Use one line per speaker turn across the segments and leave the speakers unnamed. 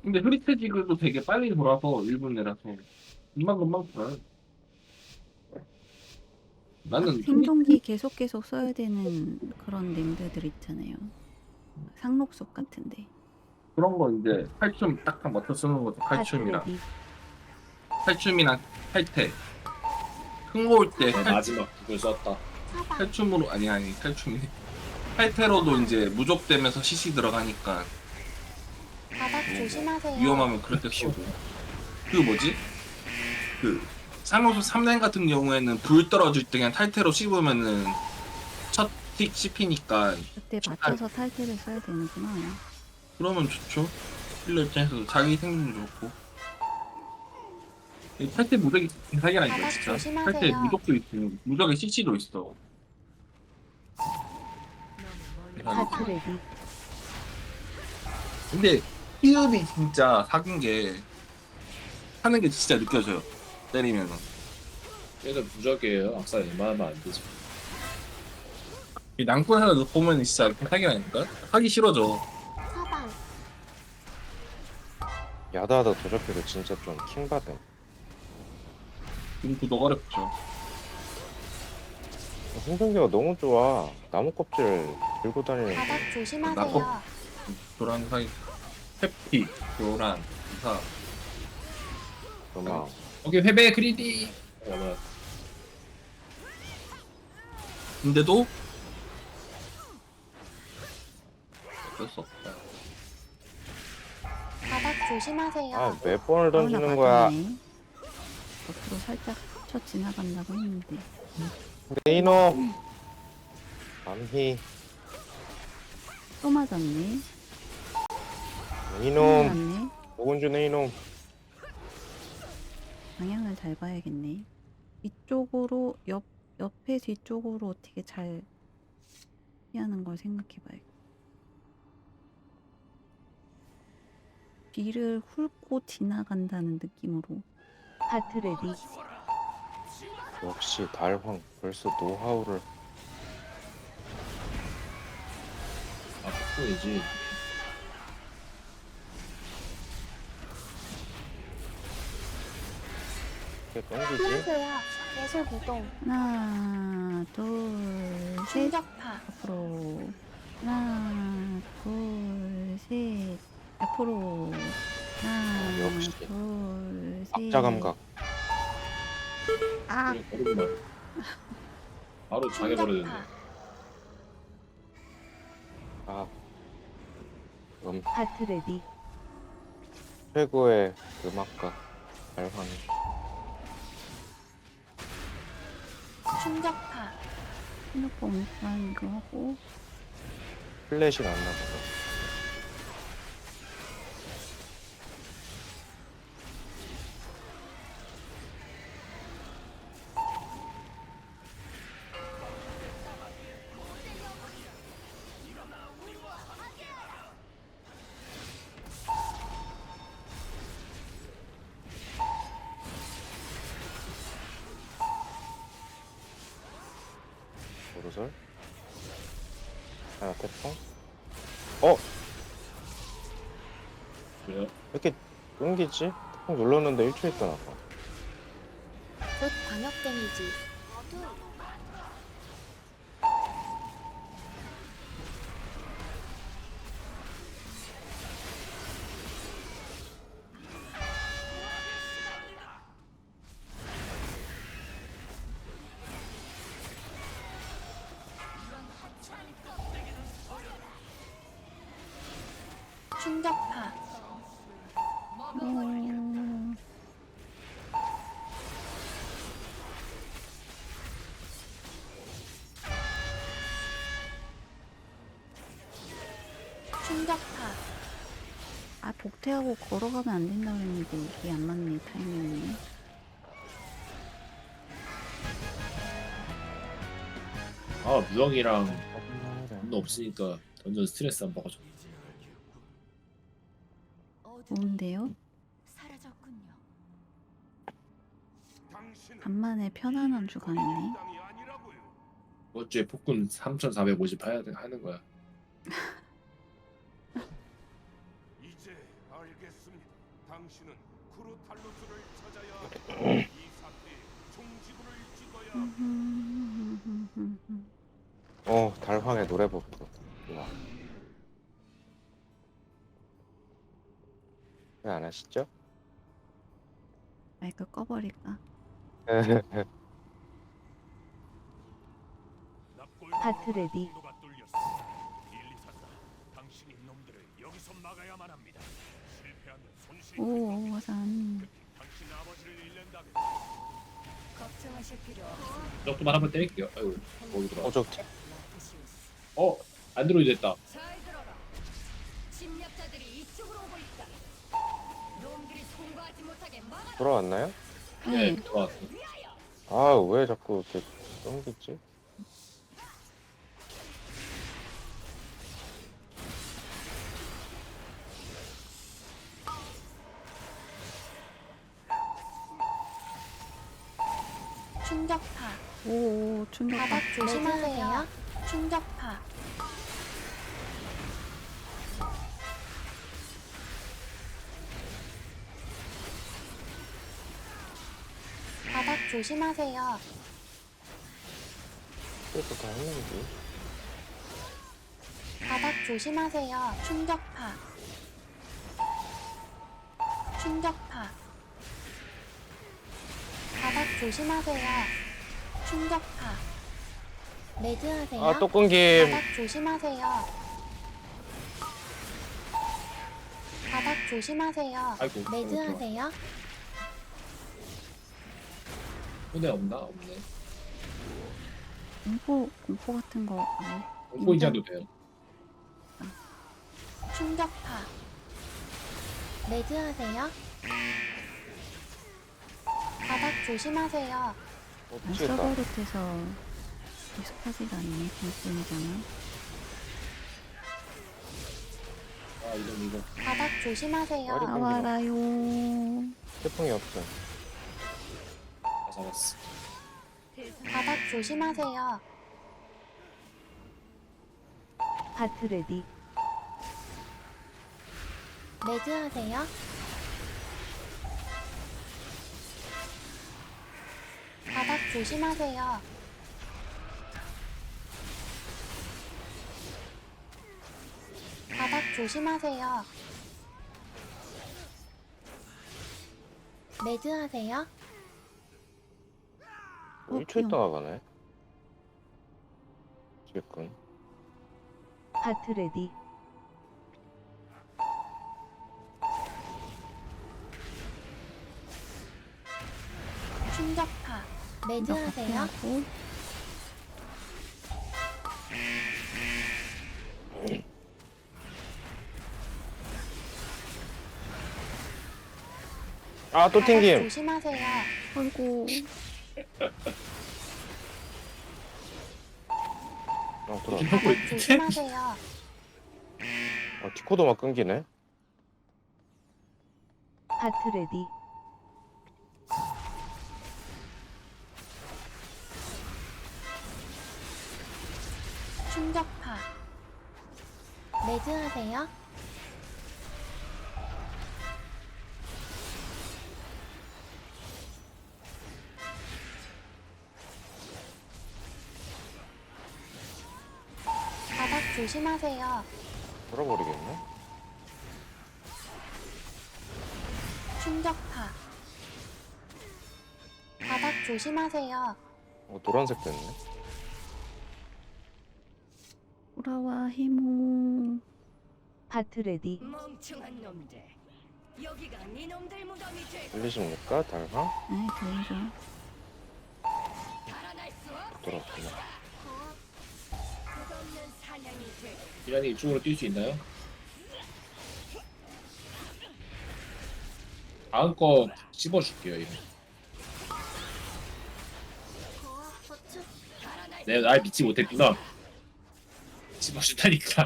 근데 흐릿해지고도 되게 빨리 돌아서 1분 내라서 금방금방 돌아요.
딱
나는
생존기 계속 써야 되는 그런 nem드들 있잖아요. 상록속 같은데.
그런 거 이제 칼춤 딱딱 맞춰 쓰는 것도 칼춤이랑
하트레디.
칼춤이랑 칼퇴 흥모일 때
내 마지막 북을 썼다.
사방
칼춤으로 아니 칼춤이 칼퇴로도 이제 무적되면서 CC 들어가니까
바닥 조심하세요.
위험하면 그럴 때 쓰고 그 뭐지? 그 상호수 3連같은 경우에는 불 떨어질 때 그냥 탈퇴로 씹으면은 첫틱 씹히니까
그때 맞춰서 탈퇴를 써야 되는구나.
그러면 좋죠. 힐러 입장에서도 자기 생존도 좋고 이 탈퇴 무적이 사기라니까
바닥
진짜.
조심하세요.
탈퇴 무적도 있고 무적에 CC도 있어.
하트레디.
근데 피읍이 진짜 사귄 게 하는 게 진짜 느껴져요. 때리면은.
얘는 무적이에요. 악사 웬만하면 안 되지.
이 낭군 하나 보면 진짜 사기라니까? 하기 싫어져.
사방
야다하다 도적해도 진짜 좀 킹받음.
지금 구독 어렵죠.
생존기가 너무 좋아. 나무 껍질 들고 다니는
바닥
게.
조심하세요.
도란 사이 해피, 도란, 이사.
음악.
오케이 회배 그리디. 그러면
근데도 어쩔 수 없다.
바닥 조심하세요.
아, 몇 번을
아우나
던지는 거야.
맞았네. 옆으로 살짝 쳐 지나간다고 했는데.
네 이놈. 암희.
또 맞았네. 또
이놈.
맞았네.
오건주 네 이놈.
방향을 잘 봐야겠네. 이쪽으로 옆에 뒤쪽으로 어떻게 잘 피하는 걸 생각해봐야겠다. 뒤를 훑고 지나간다는 느낌으로. 하트레디.
역시 달황. 벌써 노하우를.
아 폭풍이지.
이렇게 던지지.
피하세요. 예술 구동
하나, 둘, 셋.
충격파
앞으로. 하나, 둘, 셋. 앞으로. 하나,
역시.
둘, 셋.
악자 감각.
아,
얼음만. 바로 장애버려졌네.
충격파
아.
하트레디.
최고의 음악가. 달황.
충격파
해놓고 오니까 이거 하고.
플래시 났나 보다. 도르설. 하나 태풍. 어?
왜요?
왜 이렇게 끊기지? 태풍 눌렀는데 1초 있다 나가.
곧 광역 데미지 충격파 충격파
아, 복퇴하고 걸어가면 안 된다고 했는데 이게 안 맞네, 타이밍이.
아 무적이랑 도 없으니까 던전 스트레스 안 받아줘.
좋은데요? 간만에 편안한 주간이네.
이번 주에 폭군 3,450 하는 거야.
알겠습니다. 당신은 쿠르탈루스를 찾아야 합니다. 이 사태에 종지부를 찍어야 합니다.
달황의 노래부터. 우와. 왜 안 하시죠?
마이크 꺼버릴까?
하트 레디. 당신이 놈들을 여기서 막아야만 합니다. 실패하면 손실이
오, 산.
당신 아버지를 잃는다면
걱정하실 필요
이것도만 한번 때릴게요. 아이고 거기 들어.
저
안드로이드 됐다.
잘 들어라. 침략자들이 이쪽으로 오고 있다. 놈들이 통과하지 못하게 막아.
돌아왔나요?
네,
네.
들어왔어.
아, 왜 자꾸 이렇게 끊기지?
충격파.
오, 충격.
바닥 조심하세요. 충격파. 바닥 조심하세요.
그래서 다 했는지.
바닥 조심하세요. 충격파. 충격파. 바닥 조심하세요. 충격파. 매드하세요.
아, 또 끊김.
바닥 조심하세요. 바닥 조심하세요.
아이고.
매드하세요.
손에 없나? 없네.
공포 같은 거. 아예.
공포인자도 돼요.
충격파. 매드하세요. 바닥 조심하세요.
미치겠다.
서버릇해서 익숙하지가 않네, 공포이잖아.
아 이거.
바닥 조심하세요.
머리
나와라요.
태풍이 없어.
다 잡았어.
바닥 조심하세요.
하트 레디.
매드하세요. 바닥 조심하세요. 바닥 조심하세요. 매드하세요.
1초 있다가 가네. 지금.
하트 레디.
충격파. 매드하세요.
하고
아, 또
바닥
튕김.
조심하세요.
아이고.
들어.
바닥 조심하세요.
디코도 막 끊기네.
하트 레디.
충격파. 매드하세요. 바닥 조심하세요.
돌아버리겠네.
충격파. 바닥 조심하세요.
노란색 됐네.
돌아와, 히모.
하트 레디.
멍청한 놈들. 여기가 네 놈들 무덤이 될
들리십니까? 달황?
네, 들리죠.
달아날 수 없.
돌아왔구나.
끝없는 사냥이 될.
이란이 이쪽으로 뛸 수 있나요? 다음 거 씹어줄게요. 이거. 내가 날 믿지 못했구나. 씹어준다니까.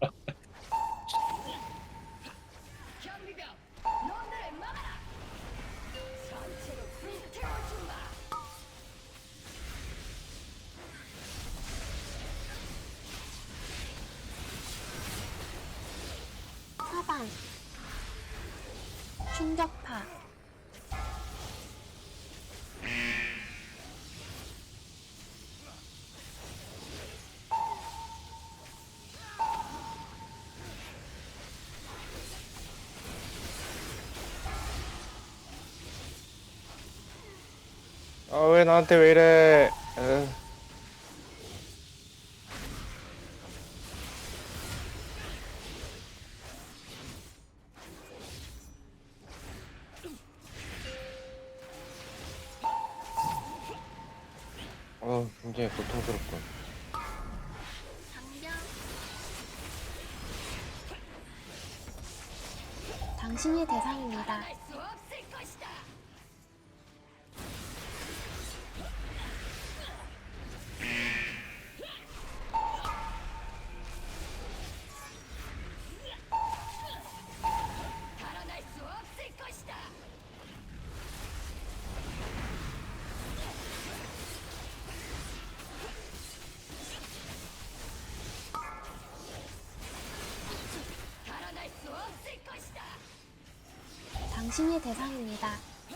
경비병, 놈들을 막아라. 전체로 불태워주마.
사방. 충격파.
아 왜 나한테 왜 이래? 굉장히 고통스럽군.
장병. 당신이 대상입니다.
할 수 없을 것이다. 살아날 수 없을 것이다. 살아날 수 없을 것이다.
당신이 대상입니다.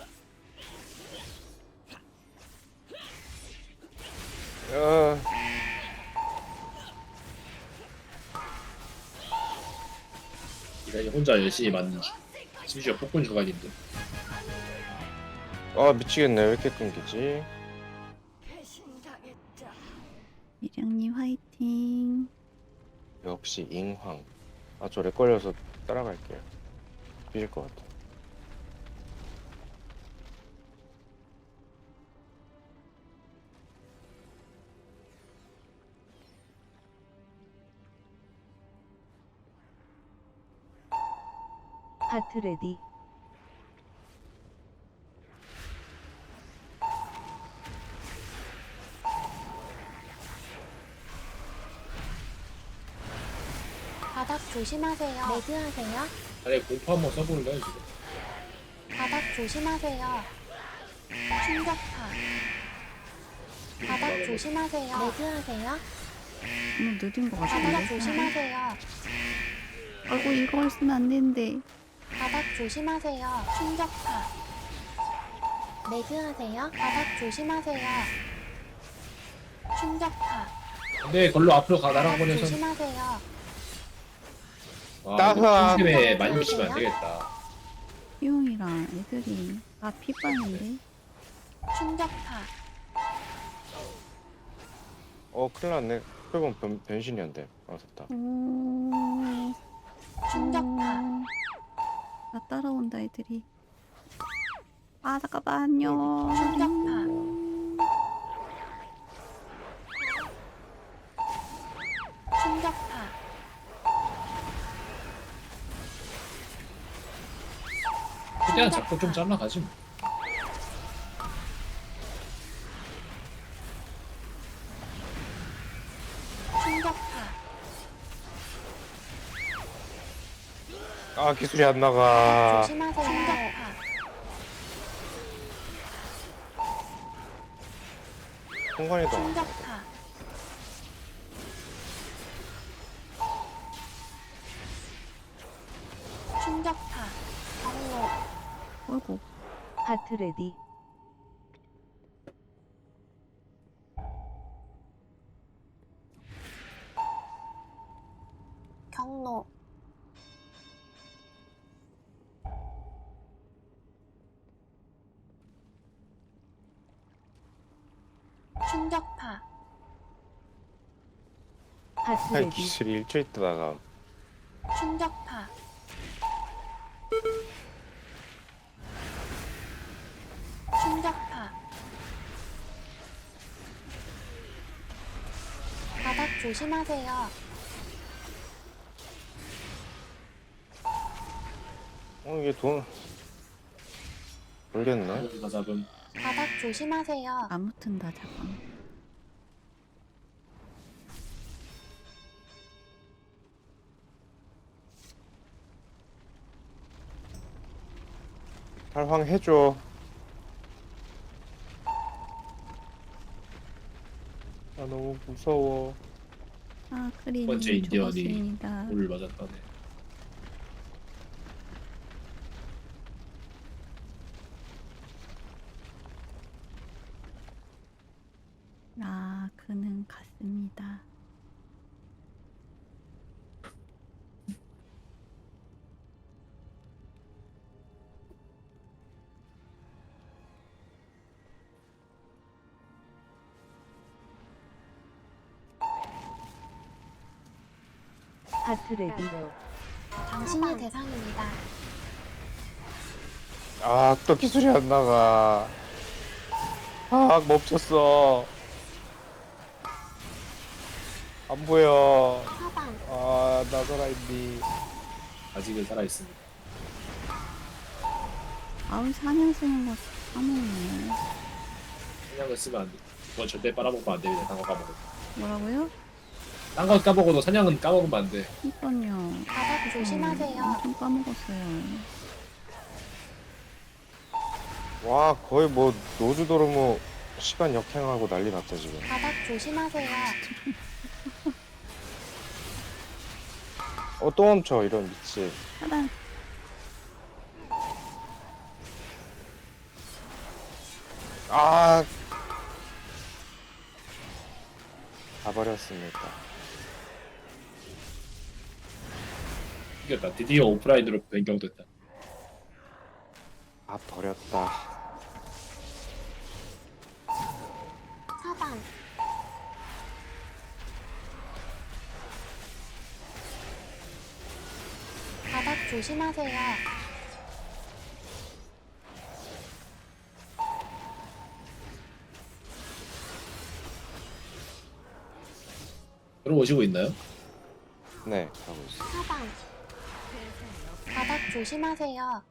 아,
이란이 혼자 열심히 맞는 중. 심지어 폭군 주간인데.
아 미치겠네. 왜 이렇게 끊기지?
배신당했다.
미량님 화이팅.
역시 잉황. 아 저 렉 걸려서 따라갈게요. 삐질 것 같아.
하트 레디.
바닥 조심하세요. 매드하세요.
아니 공포 한번 써볼래요 지금?
바닥 조심하세요. 충격파. 바닥 조심하세요. 매드하세요.
너무 늦은 것
바닥
같은데.
조심하세요.
아이고 이거 쓰면 안 되는데.
바닥 조심하세요. 충격파. 매드하세요. 바닥 조심하세요. 충격파.
근데 걸로 앞으로 가
바닥
날아보내서.
조심하세요.
와
따스한.
이거 팀에 많이 오시면 안 되겠다.
희용이랑 애들이 다 피빠는데.
충격파.
큰일 났네. 그건 변신이었는데. 아 됐다.
오.
충격파.
나 따라온다 애들이. 아 잠깐만요.
충격파. 충격파.
최대한 잡고 좀 잘라가지 뭐.
충격파.
아 기술이 안 나가.
조심하세요. 충격파.
순간이동.
충격파. 충격파. 경로.
어이구.
하트 레디.
경로. 충격파.
하트
아이
레디.
기술이 일주일 있다가
충격파. 충격파. 바닥 조심하세요.
이게 돈 모르겠네.
다 잡음.
바닥 조심하세요.
아무튼 다 잠깐.
탈황 해줘. 아 너무 무서워.
아
첫
크리님
번째 인디언이
죽었습니다.
물 맞았다네.
그는 갔습니다.
하트 레디.
당신이 대상입니다.
아, 또 기술이 안 나가. 아, 멈췄어. 안 보여.
사방,
아, 나 살아있니.
아직은 살아있습니다.
아우 사냥 쓰는 거 까먹네.
사냥을 쓰면 안 돼. 그건 절대 빨아먹으면 안 됩니다. 딴거 까먹어도.
뭐라고요?
딴 거 까먹어도 사냥은 까먹으면 안 돼.
이건요.
바닥 조심하세요.
엄청 까먹었어요.
와, 거의 뭐, 노주도르무 시간 역행하고 난리 났다, 지금.
바닥 조심하세요.
또 멈춰, 이런 미친.
차단.
아. 가버렸습니다.
이겼다. 드디어 오프라인으로 변경됐다.
아, 버렸다.
사방, 바닥 조심하세요.
들어오시고 있나요?
네, 가고 있어.
사방, 바닥 조심하세요.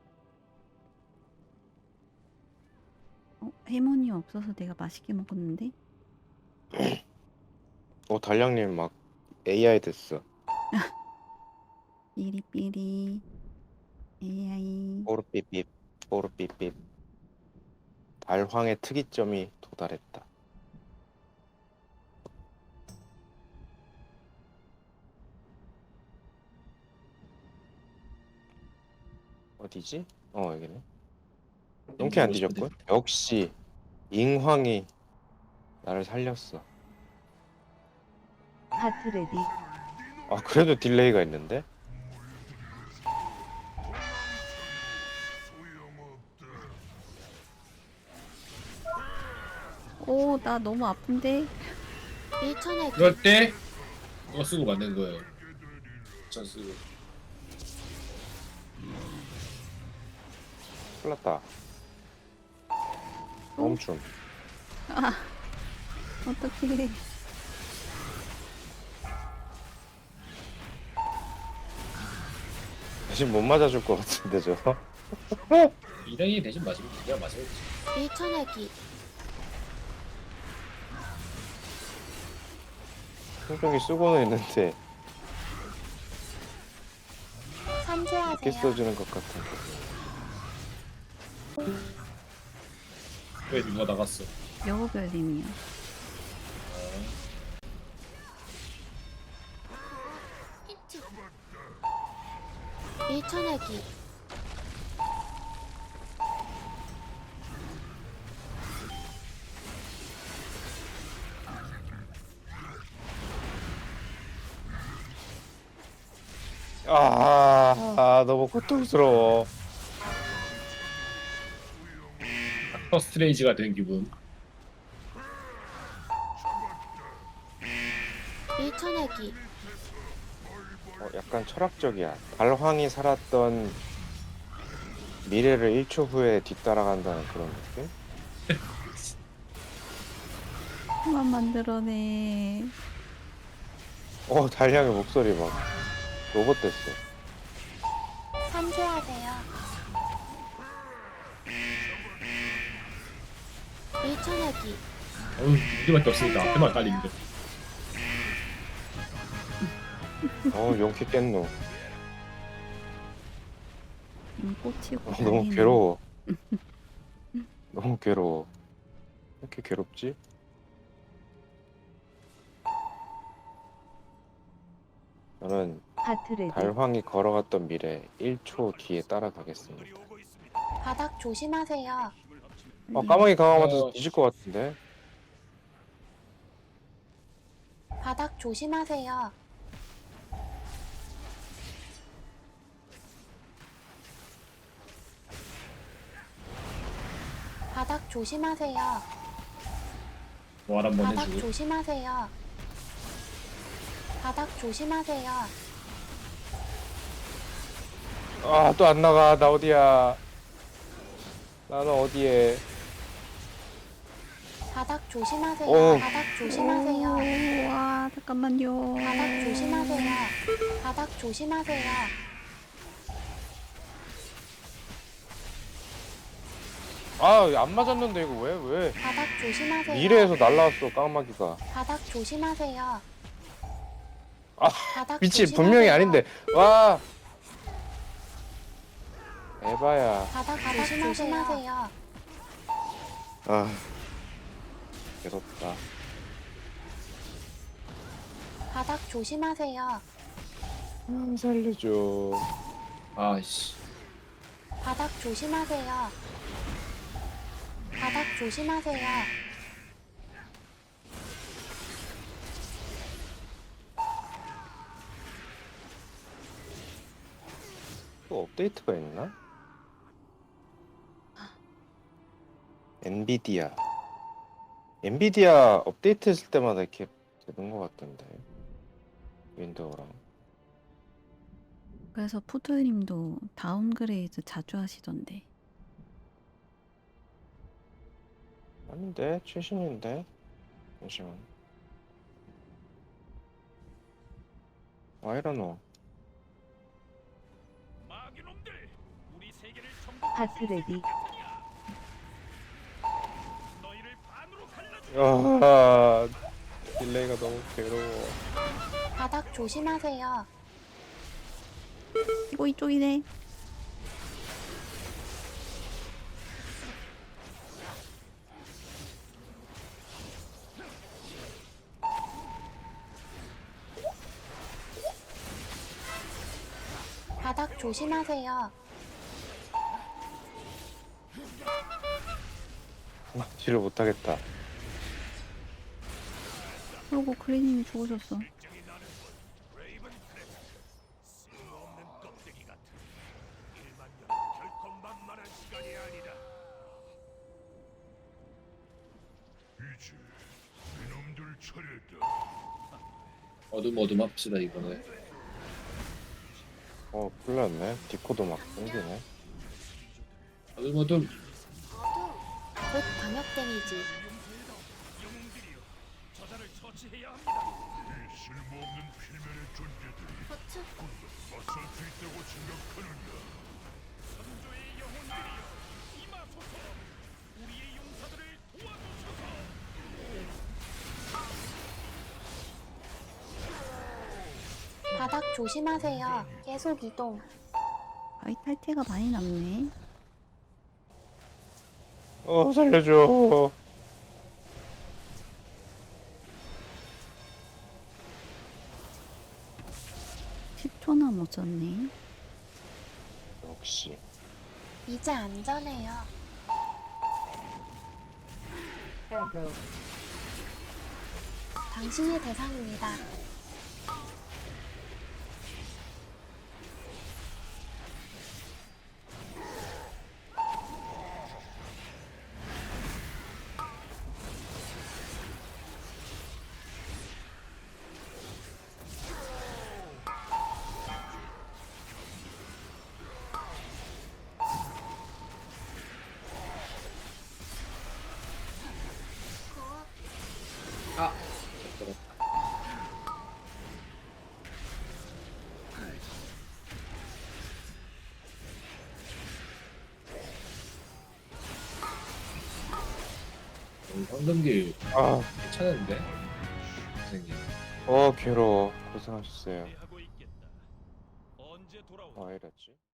해몬이 없어서 내가 맛있게 먹었는데?
달량님 막 AI 됐어.
삐리삐리 AI.
뽀르삐삐, 뽀르삐삐. 달황의 특이점이 도달했다. 어디지? 여기네. 용케 안 뒤졌군. 역시 잉황이 나를 살렸어.
하트 레디.
아, 그래도 딜레이가 있는데?
오, 나 너무 아픈데?
밀쳐내기,
그럴 때 이거 쓰고 만든 거예요. 전 쓰고.
큰일 났다. 멈춤.
어떡해.
대신 못 맞아줄 것 같은데, 저거?
이랭이 대신 맞으면 그냥 맞으면 되지.
밀쳐내기,
충격이 쓰고는 있는데 이렇게
산수하세요.
써주는 것 같은데.
왜 누가 나갔어?
여우별님이요.
밀쳐내기,
너무 고통스러워.
닥터 스트레이지가 된 기분.
밀쳐내기,
약간 철학적이야. 달황이 살았던 미래를 1초 후에 뒤따라간다는 그런 느낌?
그만 만들어내.
달량의 목소리 막 로봇 됐어.
산수하세요. 밀쳐내기,
어휴, 이게밖에 없으니까 앞에만 깔리는데.
용케 깼노.
꽂히고.
너무
난리네.
괴로워. 너무 괴로워. 왜 이렇게 괴롭지? 저는
하트 레디.
달황이 걸어갔던 미래 1초 뒤에 따라가겠습니다.
오고 있습니다.
바닥 조심하세요.
까마귀 강화 맞아서
어.
뒤질 것 같은데?
바닥 조심하세요. 바닥 조심하세요.
뭐 한번
바닥
해주고.
조심하세요. 바닥 조심하세요.
아, 또 안 나가. 나 어디야? 나는 어디에?
바닥 조심하세요.
오.
바닥 조심하세요.
와, 잠깐만요.
바닥 조심하세요. 바닥 조심하세요.
아, 안 맞았는데 이거 왜?
바닥 조심하세요.
미래에서 날라왔어, 깡마귀가.
바닥 조심하세요.
아,
바닥
미친,
조심하세요.
분명히 아닌데. 와. 에바야.
바닥 조심하세요.
아, 괴롭다.
바닥 조심하세요.
살려줘.
아씨.
바닥 조심하세요. 바닥 조심하세요.
또 업데이트가 있나? 엔비디아. 엔비디아 업데이트 했을 때마다 이렇게 되는 것 같던데. 윈도우랑.
그래서 푸드님도 다운그레이드 자주 하시던데.
아닌데, 최신인데. 잠시만. 아이러노.
마귀놈들, 우리 세계를 전부
파스레디.
너희를 반으로 갈라주.
아, 딜레이가 너무 괴로워.
바닥 조심하세요.
이쪽이네.
바닥 조심하세요.
딜을 못하겠다.
그리고 크리님이 죽으셨어.
굉장히 나는 레이븐 플래시. 쓸모없는 껍데기 같은 1만 년 결코 만만한 시간이 아니다. 이제 이놈들 차례다.
어둠 합시다 이번에.
큰일 났네. 디코도 막 끊기네.
어둠.
곧 광역 데미지.
영웅들이여, 저자를 처치해야 합니다. 이 쓸모없는 필면의 존재들이
버츠.
맞설 수 있다고 생각하느냐? 선조의 영혼들이여, 임하소서. 우리의 용사들을 도와주소서.
바닥 조심하세요. 계속 이동.
아이 탈퇴가 많이 남네.
살려줘.
10초나 못 썼네.
역시.
이제 안전해요. 당신의 대상입니다.
아,
황금길
아,
괜찮은데? 선생님.
괴로워. 고생하셨어요.
하고 있겠다. 언제 돌아오?
이랬지?